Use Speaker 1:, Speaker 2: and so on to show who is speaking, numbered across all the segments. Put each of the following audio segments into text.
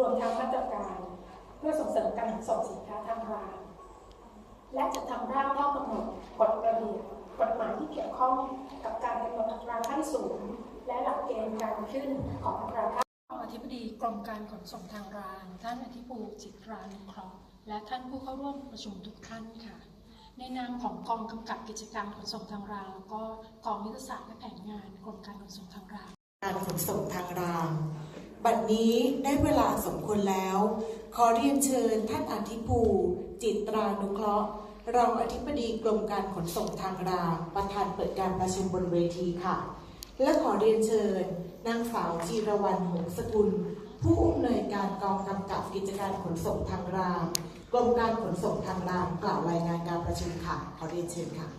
Speaker 1: วมทั้งมาตรการเพื่อส่งเสริมการขนส่งสินค้าทางรางและจะทำร่างข้อกำหนดกฎระเบียบกฎหมายที่เกี่ยวข้องกับการกำหนดอัตราขั้นสูงและหลักเกณฑ์การขึ้นของอัตราค่าอธิบดีกรมการขนส่งทางรางท่านอธิภูมิจิตรานุเคราะห์และท่านผู้เข้าร่วมประชุมทุกท่านค่ะในนามของกองกำกับกิจการขนส่งทางรางแล้วก็กองยุทธศาสตร์และแผนงานกรมการขนส่งทางราง
Speaker 2: การขนส่งทางรางบัดนี้ได้เวลาสมควรแล้วขอเรียนเชิญท่านอธิภูมิจิตรานุเคราะห์รองอธิบดีกรมการขนส่งทางรางประธานเปิดการประชุมบนเวทีค่ะและขอเรียนเชิญนางสาวจีรวรรณหงสกุลผู้อำนวยการกองกำกับกิจการขนส่งทางรางกรมการขนส่งทางรางกล่าวรายงานการประชุมค่ะขอเรียนเชิญค่ะ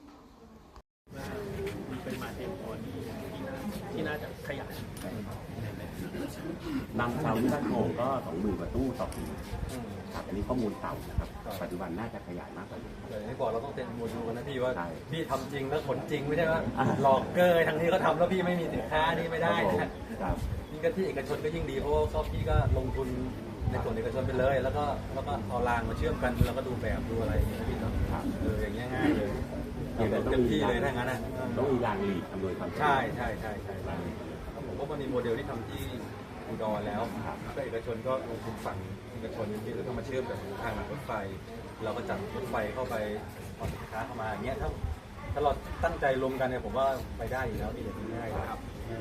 Speaker 3: เป็นมาเตรียมพอที่น่าจะขยาย
Speaker 4: นำเตาที่บ้านโป่งก็20,000 กว่าตู้ต่อปีครับอันนี้ข้อมูลเก่านะครับปัจจุบันน่าจะขยายมากกว่านี้
Speaker 3: อย่างที่บอกเราต้องเต็มโมดูลนะพี่ว่า
Speaker 4: ใช่
Speaker 3: พี่ทำจริงแล้วขนจริงไม่ใช่ว่าหลอกเกยทางนี้เขาทำแล้วพี่ไม่มีสินค้านี่ไม่ได้นะครับยิ่งก็ที่เอกชนก็ยิ่งดีเพราะว่าพี่ก็ลงทุนในส่วนเอกชนไปเลยแล้วก็เอารางมาเชื่อมกันแล้วก็ดูแบบดูอะไรอย่างเงี้ยพี่เนาะอย่างเงี้ยง่ายเลยเต็มที่เลยถ้างั้นนะ
Speaker 4: ต้องมีรางหลีกอำนวยความสะดวก
Speaker 3: ใช่ผมก็มันมีโมเดลที่ทำที่อุดรแล้วก็เอกชนก็ลงทุนฝั่งเอกชนที่แล้วก็มาเชื่อมกับทางรถไฟเราก็จัดรถไฟเข้าไปเอาสินค้าเข้ามาอย่างเงี้ยถ้าเราตั้งใจลงกันเนี่ยผมว่าไปได้อยู่แล้วพี่อย่างง่ายครับ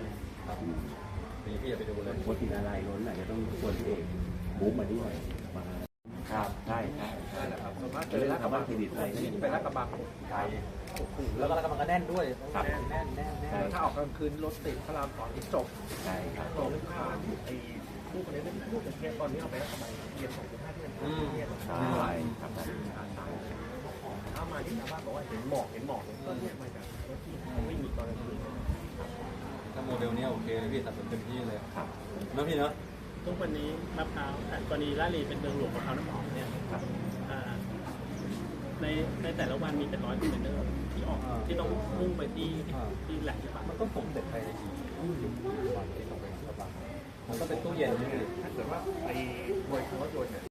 Speaker 3: พี่อย่าไปดูเลย
Speaker 4: วัตถุอะไรล้นอาจจะต้องชวนพี่เอกบุ๊กมาด้วยมาครับใช่
Speaker 3: แหละครับส่วนมาก
Speaker 4: เรื่องคำว่าเครดิตอะไรก็
Speaker 3: ไปรักกระบังไกลแล้วก็รักกระบังก็แน่นด้วยแน่น
Speaker 5: ถ้าออกกลางคืนรถติดพระราม2ที่จบ
Speaker 4: ใช่ครับ
Speaker 5: ตรงข้ามไอ้ผู้คนนี้เป็นผู้เป็นเทียนตอนนี้เอาไปรักกระบังเทียน2.5ที่เป็นเทียน
Speaker 4: ใช่ครับ
Speaker 5: ถ้ามาที่ชาวบ้านบอกว่าเห็นหมอกก็เนี่ยมาจากรถที่ไม่มีตอนกลางคืน
Speaker 3: ถ้าโมเดลนี้โอเคเลยพี่ตัดสินเต็มที่เลยครับเนาะพี่เนาะ
Speaker 5: ทุกวันนี้มะพร้าวกรณีลาดลีเป็นเมืองหลวงมะพร้าวน้ำหอมเนี่ยในแต่ละวันมีเป็น100 คอนเทนเนอร์ที่ออกที่ต้องมุ่งไปที่แหล่งที่
Speaker 3: มันก็ผมเสร็จไปวันที่ต้องไปกระบังมันก็เป็นตู้เย็นนี่
Speaker 5: ถ้าเกิดว่าไปบริษัทรถยนต์เนี่ย